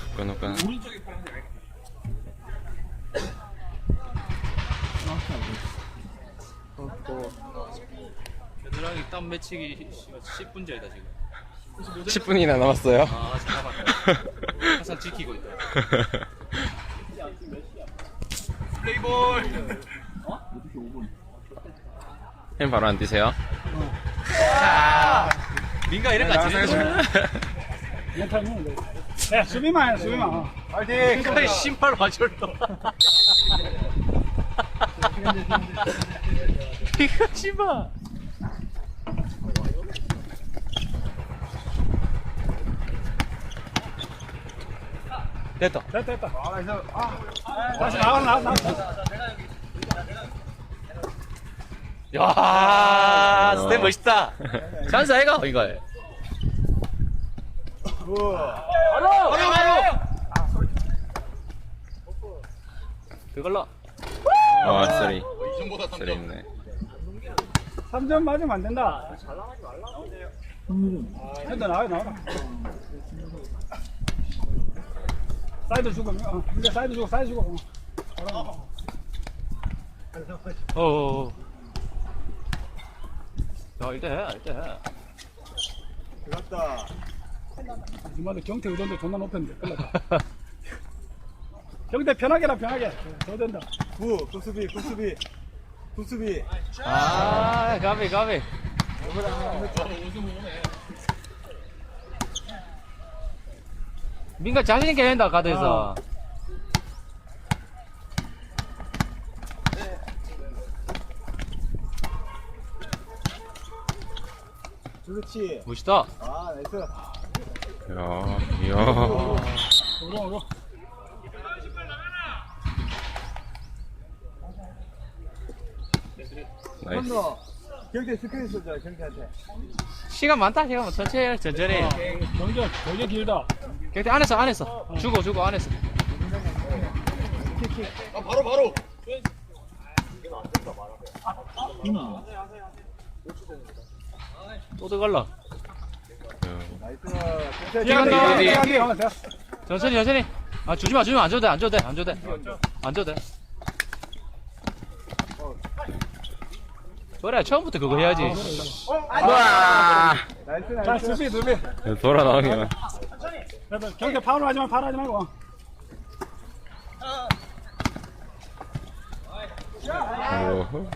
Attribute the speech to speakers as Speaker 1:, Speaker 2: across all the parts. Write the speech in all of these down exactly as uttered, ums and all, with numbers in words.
Speaker 1: 끊어.
Speaker 2: 겨드랑이 땀 맺히기 십 분 전이다 지금.
Speaker 1: 십 분이나 남았어요.
Speaker 2: 아 잠깐만. 항상 지키고 있다. 플레이볼.
Speaker 1: 햄 바로 안 뛰세요?
Speaker 2: 민가 이런 거 같지?
Speaker 3: 야, 수비만 해, 수비만.
Speaker 2: 파이팅! 그래, 신발 와줄도. 이거 신발. 됐다.
Speaker 3: 됐다, 됐다. 다시 나와, 나와, 나와.
Speaker 2: 야, 스텝 멋있다. 찬스 아이가? 이거. 바로! 바로! 바로! 그걸로.
Speaker 1: 아, 쓰리. 쓰리 있네.
Speaker 3: 삼 점 맞으면 안 된다. 됐다, 나와, 나와. 사이드 주고, 어, 이제 사이드 주고, 사이드 주고.
Speaker 2: 어, 어, 어. 야, 일대 해, 일대 해.
Speaker 4: 들어갔다.
Speaker 3: 정말 경태 의존도 존나 높였는데, 큰일 났다. 경태 편하게 라 편하게. 더 된다.
Speaker 4: 구, 구수비, 구수비, 구수비.
Speaker 2: 아, 가비, 가비. 민가 자신있게 한다, 가드에서.
Speaker 4: 그렇지.
Speaker 2: 멋있다.
Speaker 4: 아, 나이스.
Speaker 1: 이야, 이야.
Speaker 3: 오로, 오로.
Speaker 1: 나이스.
Speaker 4: 너 경태 스크린 써줘, 경태한테.
Speaker 2: 시간 많다, 시간 많다. 천천히 해, 천천히.
Speaker 3: 경제, 경제 길다.
Speaker 2: 경태 안에서, 안에서. 주고, 주고, 안에서.
Speaker 4: 아, 바로, 바로.
Speaker 2: 또 들어갈라.
Speaker 4: 나이스.
Speaker 3: 뛰어간다,
Speaker 1: 어디?
Speaker 3: 뛰어간다.
Speaker 2: 천천히, 천천히. 아, 주지 마, 주지 마. 안 줘도 돼, 안 줘도 돼, 안 줘도 돼. 안 줘도 돼. 그래, 처음부터 그거 해야지.
Speaker 1: 와!
Speaker 4: 나이스,
Speaker 3: 자,
Speaker 4: 나이스.
Speaker 3: 수비, 수비.
Speaker 1: 돌아 나오기만.
Speaker 3: 그래도 경태 파울 하지 마, 파울 하지 말고.
Speaker 1: 오.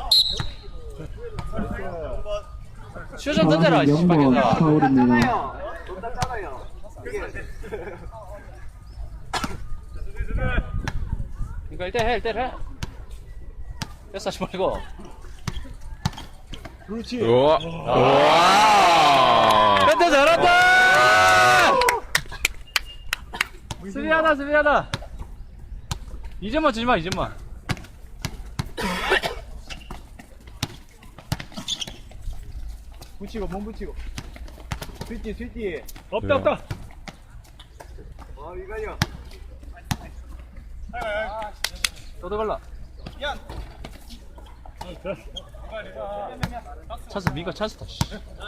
Speaker 2: 슈좀 던져라, 씨발겠다.
Speaker 5: 파울입니다.
Speaker 2: 이거 일대 해, 일대 해. 됐어, 하지 말고.
Speaker 4: 그렇지.
Speaker 1: 우와. 우와.
Speaker 2: 됐다, 잘한다! 수비하다, 수비하다. 이 점만 주지 마, 이 점만.
Speaker 4: 붙이고, 몸 붙이고. 스위치, 스위치.
Speaker 3: 없다, 없다.
Speaker 4: 어, 이거요.
Speaker 2: 또 들어갈라. 찬스, 민가 찬스다, 씨.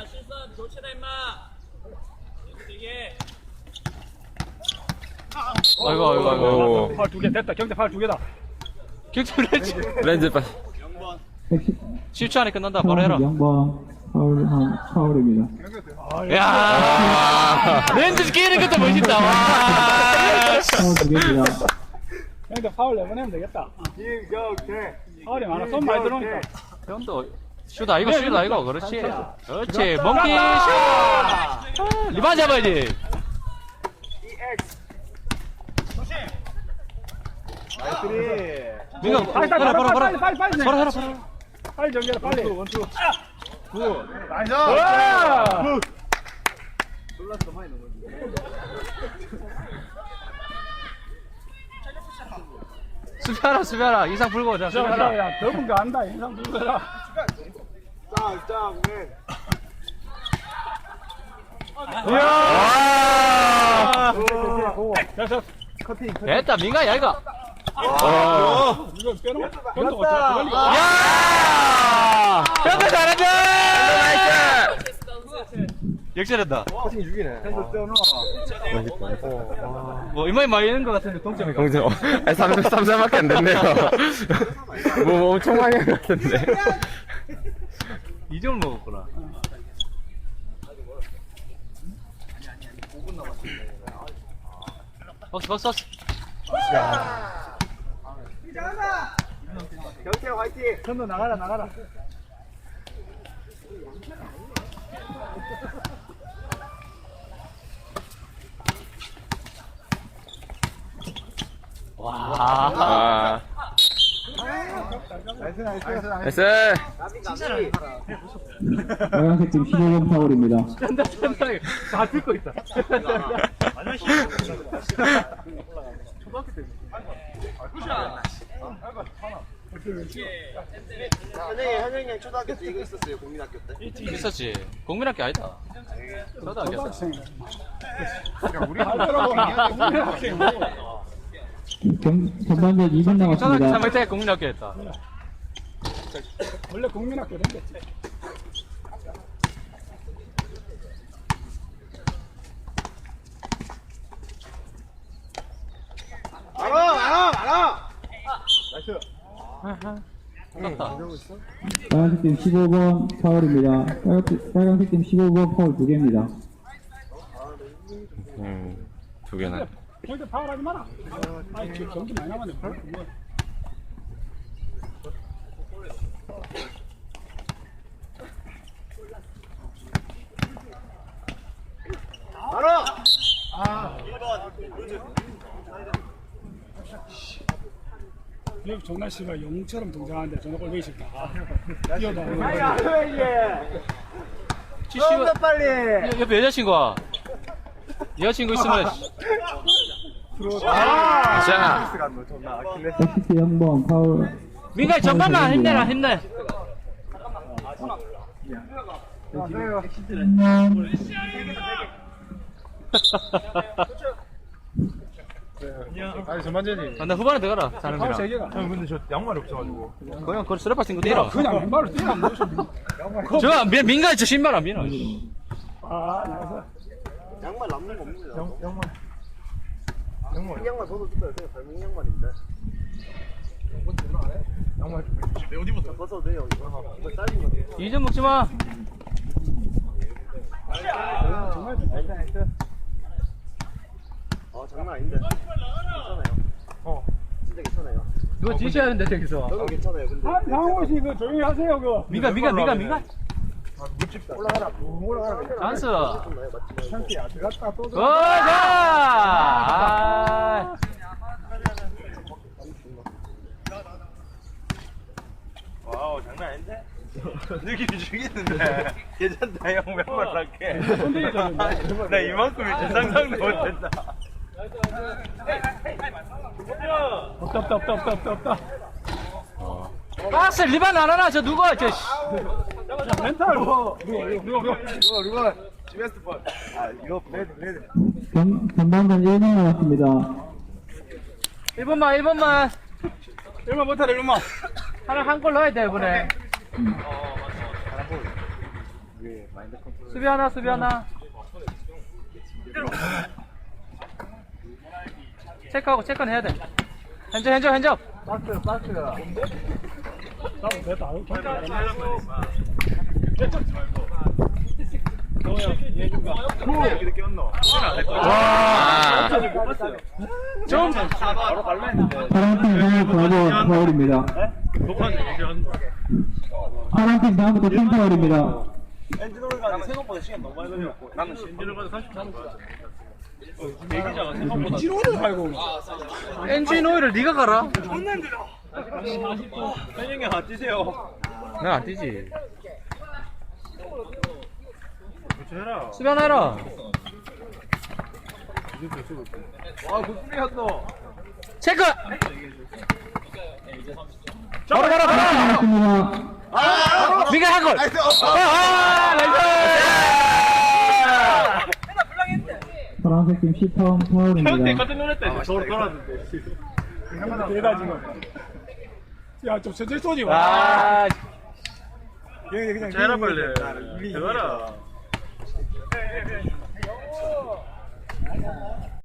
Speaker 2: 아이고, 아이고, 아이고.
Speaker 1: 오.
Speaker 3: 파울 두 개 됐다. 경태 파울 두 개다.
Speaker 2: 격투 렌즈.
Speaker 1: 렌즈 빠.
Speaker 2: 십 초 안에 끝난다, 바로 해라.
Speaker 5: 영 번 파울, 한, 파울입니다.
Speaker 2: 야 렌즈 끼는 것도 멋있다, 와.
Speaker 5: 파울 두 개입니다.
Speaker 3: 경태 파울 내보내면 되겠다.
Speaker 4: 김경태.
Speaker 3: 파울이 많아. 손 많이 들어오니까.
Speaker 2: 형도 슈다, 이거 슈다, 이거. 그렇지. 그렇지. 멍키 슈! 아, 리반 잡아야지.
Speaker 4: 나이스.
Speaker 2: 민가,
Speaker 3: 빨리, 빨리,
Speaker 2: 바로, 바로,
Speaker 3: 빨리,
Speaker 2: 바로.
Speaker 3: 빨리, 빨리, 빨리.
Speaker 2: 바로 해라, 바로 해라.
Speaker 3: 빨리 정리해라, 빨리.
Speaker 4: 원투. 구. 나이스.
Speaker 3: 와!
Speaker 4: 놀랐어, 많이 넘었네.
Speaker 2: 수비하라, 수비하라. 이상 불고, 자,
Speaker 3: 야,
Speaker 2: 수비하라.
Speaker 3: 야, 더운 거 안다. 인상 불거라.
Speaker 4: 짱, 짱, 맨.
Speaker 2: 이야!
Speaker 3: 됐어.
Speaker 4: 커팅, 커팅.
Speaker 2: 됐다, 민가, 야, 이거.
Speaker 1: 어.
Speaker 3: 이거 빼놓고. 경태
Speaker 4: 됐다.
Speaker 3: 어떻게 걸리고.
Speaker 2: 야! 형도 잘한다!
Speaker 1: 나이스.
Speaker 2: 역전했다.
Speaker 4: 커팅 죽이네. 핸드 떼어놔.
Speaker 2: 뭐 이마에 많이 있는 것 같은데 동점이 가.
Speaker 1: 동생, 어, 아니, 삼 점, 삼 점밖에 안 됐네요. 뭐, 뭐 엄청 많이 한 것 같은데.
Speaker 2: 이 점을 먹었구나. 박스 박스 박스.
Speaker 4: 경태 화이팅.
Speaker 3: 전도 나가라 나가라.
Speaker 2: 와.
Speaker 1: 아,
Speaker 4: 나이스 나이스 나이스.
Speaker 1: 나이스.
Speaker 5: 빨간색 팀 십오 번 파울입니다.
Speaker 2: 짠다 짠다. 다 듣고 있다.
Speaker 4: 현영이 현영이 초등학교 때 이거 있었어요. 국민학교 때.
Speaker 2: 있었지. 국민학교 아니다. 저도 알겠어.
Speaker 3: 학생.
Speaker 4: 우리
Speaker 3: 학생.
Speaker 5: 경, 전반전 이 분
Speaker 2: 초등학교 삼
Speaker 5: 남았습니다.
Speaker 2: 학년 때 국민학교 했다.
Speaker 3: 원래 국민학교 생겼지.
Speaker 4: 알아 알아 알아. 나이스.
Speaker 2: 끝났다.
Speaker 5: 빨간색 팀 십오 번 파울입니다. 빨간색, 빨간색 팀 십오 번 파울 두 개입니다.
Speaker 1: 음, 두 개나.
Speaker 3: 절대 파울하지 마라. 아, 경기 많이 남았네. 뭐.
Speaker 4: 알아.
Speaker 3: 여기 정날 씨가 영웅처럼 등장하는데 저는 꼴보기 싫다. 뛰어다.
Speaker 2: 지씨가
Speaker 4: 빨리.
Speaker 2: 옆에 여자친구와 여자친구 있으면
Speaker 1: 자,
Speaker 5: 엑시티 영 번 파울.
Speaker 2: 민가 전반만 힘내라 힘내.
Speaker 4: 아니 전반전이.
Speaker 2: 아, 나 후반에 들어가라.
Speaker 3: 파울 세
Speaker 2: 사람이랑.
Speaker 3: 개가.
Speaker 4: 형 근데 저 양말이 없어가지고.
Speaker 2: 그냥 그 쓰레빠 친구 뛰라.
Speaker 3: 그냥 왼발로 뛰어.
Speaker 2: 저 민- 민가 저 신발 안 민어.
Speaker 3: 아, 나이스.
Speaker 4: 양말 남는 거 없는 거야. 양말. 양말. 양말 벗어줄까요? 그냥 발목 양말인데. 양말 좀 내 어디부터 벗어도 돼요. 이거 이거 짧은 거.
Speaker 2: 이 점 먹지 마.
Speaker 3: 정말 나이스 나이스.
Speaker 4: 아 장난 아닌데. 괜찮아요. 어. 진짜 괜찮아요.
Speaker 2: 이거 지셔야 하는데 저기서.
Speaker 4: 저도 괜찮아요. 근데.
Speaker 3: 한 상호 씨 그 조용히 하세요 그.
Speaker 2: 민가 민가 민가 민가.
Speaker 4: 물집 올라가라. 올라가라.
Speaker 2: 찬스.
Speaker 4: 맞지? 찬스야. 들어갔다 또.
Speaker 2: 고자. 아.
Speaker 4: 와우 장난 아닌데? 느낌이 죽이는데 괜찮다 형 맨발 할게 나 이만큼이 제 상상도 못했다
Speaker 3: 없다 없다 없다 없다 없다 없다.
Speaker 2: 박스 리반 안 하나 저 누가 저. 씨.
Speaker 3: 자, 멘탈. 누가 누가 누가.
Speaker 4: 이거 이거 지베스트 펄. 아 이거 레드 레드
Speaker 5: 경, 전반전 일 분 남았습니다.
Speaker 2: 일 번만 일 번만.
Speaker 3: 얼마 못하래 얼마.
Speaker 2: 하나 한 골 넣어야 돼 이번에. 수비 하나 수비 하나. 체크하고 체크는 해야 돼. 현접 현접 현접.
Speaker 4: 박스 박스
Speaker 3: 나도 됐다. 아유, 괜찮아.
Speaker 4: 이렇게 꼈노
Speaker 1: 와.
Speaker 2: 좀.
Speaker 4: 바로 갈라 했는데
Speaker 5: 파란팀 다음부터 사 번 파울입니다. 파란팀 다음부터 팀 파울입니다.
Speaker 4: 엔진 오르가 생각보다 시간 너무 많이 걸렸고 나는 엔진 오르가 삼십삼 분 대기자가 생각보다
Speaker 3: 지로를 갈고.
Speaker 2: 엔진 오일을 네가 갈아?
Speaker 4: 현영이 안 뛰세요
Speaker 2: 나 안 뛰지.
Speaker 4: 해라
Speaker 2: 수비 하나 해라.
Speaker 4: 와 국수리 한노
Speaker 2: 체크. 바로 바로 바로.
Speaker 5: 남았습니다.
Speaker 2: 네가 한 골. 아, 나이스.
Speaker 5: 파란색 팀 십 번 파울입니다.
Speaker 4: 깜짝 놀랐다 저로 돌았는데
Speaker 3: 대다 지금. 야, 좀 천천히 쏘지 마.
Speaker 2: 아,
Speaker 4: 그냥 그냥 해라 빨리 들어가라
Speaker 3: 예, 예, 예.